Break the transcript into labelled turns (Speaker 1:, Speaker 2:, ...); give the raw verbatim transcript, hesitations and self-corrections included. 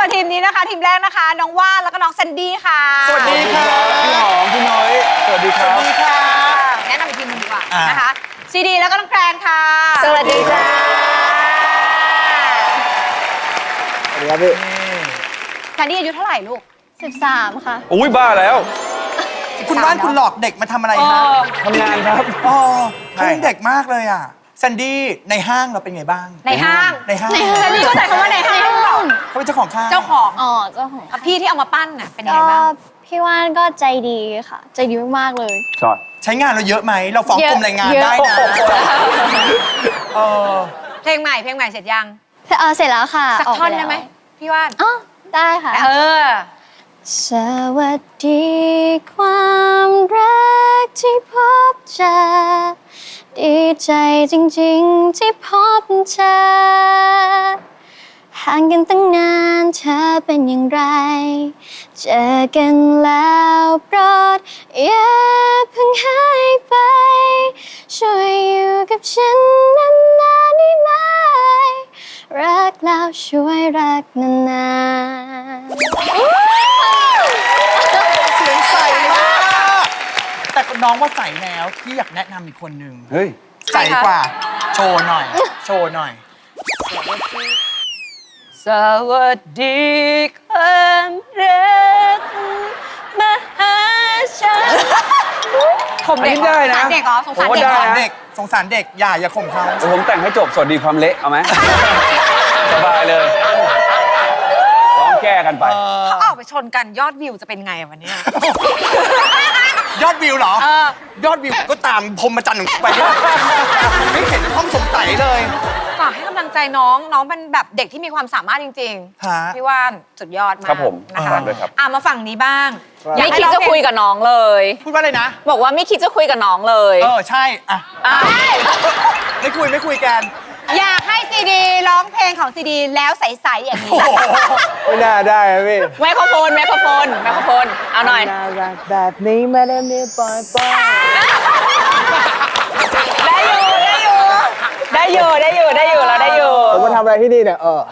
Speaker 1: กับทีมนี้นะคะทีมแรกนะคะน้องว่านแล้วก็น้องแซนดี้ค่ะ
Speaker 2: สวัสดีค่ะพี่หอมพี่น้อยสวัสดีครับสวัสดีค่ะ
Speaker 1: แนะนำอีกทีมนึงดีกว่านะคะซีดีแล้วก็น้องแกรนค่ะ
Speaker 3: สวัสดีจ้า
Speaker 2: สวัสดีครับพี่
Speaker 1: แซนดี้อายุเท่าไหร่ลูก
Speaker 3: สิบสามค่ะ
Speaker 2: อุ้ยบ้าแล้ว
Speaker 4: คุณว่านคุณหลอกเด็กมาทำอะไรฮะ
Speaker 2: ทำงานครับ
Speaker 4: อ๋อคุณเด็กมากเลยอ่ะแซนดี้ในห้างเราเป็นไงบ้าง
Speaker 1: ในห้าง
Speaker 4: ในห้าง
Speaker 1: แซนดี้เข้าใจคำว่าในห้าง
Speaker 4: เขาเป็นเจ้าของห้าง
Speaker 1: เจ้าของ
Speaker 3: อ๋อเจ้าของ
Speaker 1: พี่ที่เอามาปั้นน่ะเป็นยังไง
Speaker 3: ก็
Speaker 1: บ้าง
Speaker 3: พี่ว่านก็ใจดีค่ะใจดีมากๆเลย
Speaker 2: ชอบ
Speaker 4: ใช้งานเราเยอะไหมเราฟ้องกรมแรงงานได้นะเออ
Speaker 1: เพลงใหม่เพลงใหม่เสร็จยัง
Speaker 3: เออเสร็จแล้วค่ะ
Speaker 1: สักท่อนได้ไหมพี่ว่าน
Speaker 3: อ๋อได้ค่ะ
Speaker 1: เออ
Speaker 3: สวัสดีความรักที่พบเจอดีใจจริงๆที่พบเธอห่างกันตั้งนานเธอเป็นอย่างไรเจอกันแล้วโปรดอย่าเพิ่งหายไปช่วยอยู่กับฉันนานๆได้ไหมรักแล้วช่วยรักนานๆ
Speaker 4: เสียงใสมากแต่น้องว่าใสแล้วพี่อยากแนะนำอีกคนนึง
Speaker 2: เฮ้ย
Speaker 4: ใสกว่าโชว์หน่อยโชว์หน่อย
Speaker 1: สวัสดีความรักมหาชนผมเด็กได้นะเด็กเหรอสงสารเด็ก
Speaker 4: เด็กสงสารเด็กอย่าอย่าข่มเขา
Speaker 2: ผมแต่งให้จบสวัสดีความเละเอาไหมสบายเลยร้องแก้กันไป
Speaker 1: เขาออกไปชนกันยอดวิวจะเป็นไงวันนี้
Speaker 4: ยอดวิวเหรอยอดวิวก็ตามพรมจันทร์ไปไม่เห็นต้องสงสัยเลย
Speaker 1: ฝากให้กำลังใจน้องน้องเป็นแบบเด็กที่มีความสามารถจริงๆพี่ว่านสุดยอดมาก
Speaker 2: ครับผม
Speaker 1: นะคะอ่ะมาฝั่งนี้บ้าง
Speaker 5: ไม่คิดจะคุยกับน้องเลย
Speaker 4: พูดว่าอะไรนะ
Speaker 5: บอกว่าไม่คิดจะคุยกับน้องเลย
Speaker 4: เออใช่อ่ะไม่คุยไม่คุยกัน
Speaker 1: อยากให้ซีดีร้องเพลงของซีดีแล้วใสๆอย่างนี้
Speaker 2: ไม่น่าได้ครับพี่
Speaker 5: ไมโครโฟนไมโครโฟนไมโครโฟนเอาหน่อย
Speaker 2: น่ารักแบบนี้ไม่ได้มีปล่อยปล่อย
Speaker 5: ได้อยู่ได้อยู่ได้อยู่ได้อยู่ได้อยู่เราได้อยู่
Speaker 2: ผมมาทำอะไรที่นี่เนี่ยเออ